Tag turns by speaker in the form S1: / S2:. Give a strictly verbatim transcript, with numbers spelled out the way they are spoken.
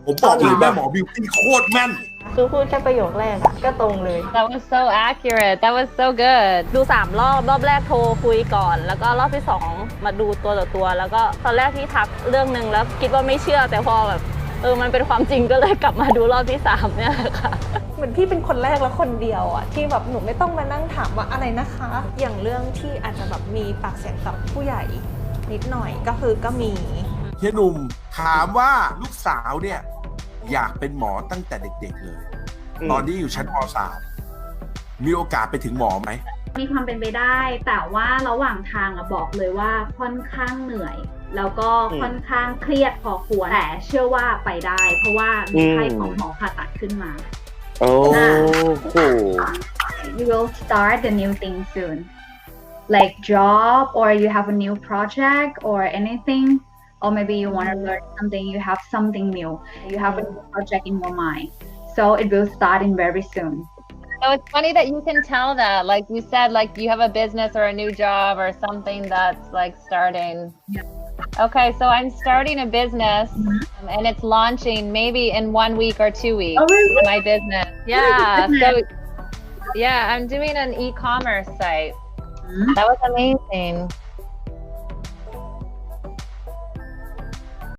S1: ผมบอกเลยแม่หมอบิวตี้โคตรแม่น
S2: คือพูดแค่ประโยคแรกอะก็ตรงเลย
S3: That was so accurate. That was so good.
S2: ดูสามรอบรอบแรกโทรคุยก่อน แล้วก็รอบที่สองมาดูตัวต่อตัว แล้วก็ตอนแรกที่ทักเรื่องหนึ่งแล้วคิดว่าไม่เชื่อ แต่พอแบบเออมันเป็นความจริงก็เลยกลับมาดูรอบที่สามเนี่ยค่ะ
S4: เหมือนพี่เป็นคนแรกและคนเดียวอะที่แบบหนูไม่ต้องมานั่งถามว่าอะไรนะคะ อย่างเรื่องที่อาจจะแบบมีปากเสียงกับผู้ใหญ่นิดหน่อยก็คือก็มี
S1: เฮียหนุ่มถามว่าลูกสาวเนี่ยอยากเป็นหมอตั้งแต่เด็กๆเลยตอนที่อยู่ชั้นม .สาม มีโอกาสไปถึงหมอไหม
S5: มีความเป็นไปได้แต่ว่าระหว่างทางอะบอกเลยว่าค่อนข้างเหนื่อยแล้วก็ค่อนข้างเครียดพอควรแต่เชื่อว่าไปได้เพราะว่ามีไพ่ของหมอผ่าตัดขึ้นมา
S6: โอ้โห
S5: You will start the new thing soon like job or you have a new project or anything or maybe you want to learn something you have something new you have a new project in your mind so it will start in very soon
S3: So it's funny that you can tell that. Like you said, like you have a business or a new job or something that's like starting. Yeah. Okay, so I'm starting a business mm-hmm. and it's launching maybe in one week or two weeks.
S5: Oh, really?
S3: My business. Yeah. So yeah, I'm doing an e-commerce site. Mm-hmm. That was amazing.